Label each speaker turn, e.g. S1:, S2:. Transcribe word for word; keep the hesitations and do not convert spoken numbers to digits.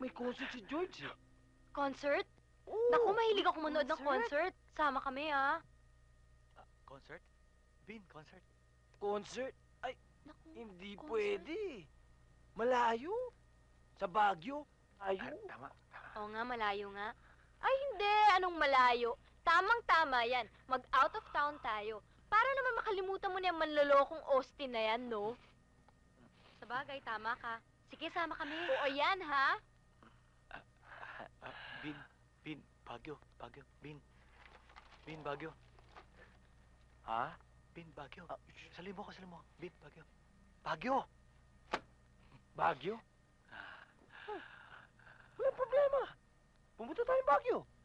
S1: May concert si George eh.
S2: Concert?
S1: Oo,
S2: Naku, mahilig ako manood ng
S3: concert.
S2: concert. Sama kami, ah.
S4: Concert? Bin, concert.
S1: Concert? Ay,
S2: Naku,
S1: hindi
S2: concert.
S1: pwede. Malayo. Sa Baguio.
S4: Ah,
S1: Ayaw.
S4: tama.
S2: Oo nga, malayo nga. Ay, hindi. Anong malayo? Tamang-tama yan. Mag-out of town tayo. Para naman makalimutan mo na yung manlolokong Austin na yan, no? Sabagay, tama ka. Sige, sama kami. Oo, yan, ha?
S4: Bin, Bin, Baguio, Baguio, Bin. Bin, Baguio.
S1: Ha?
S4: Bin, Baguio. Salim mo ko, salim mo. Bin, Baguio. Baguio!
S1: Baguio? Walang problema. Pumunta tayong Baguio.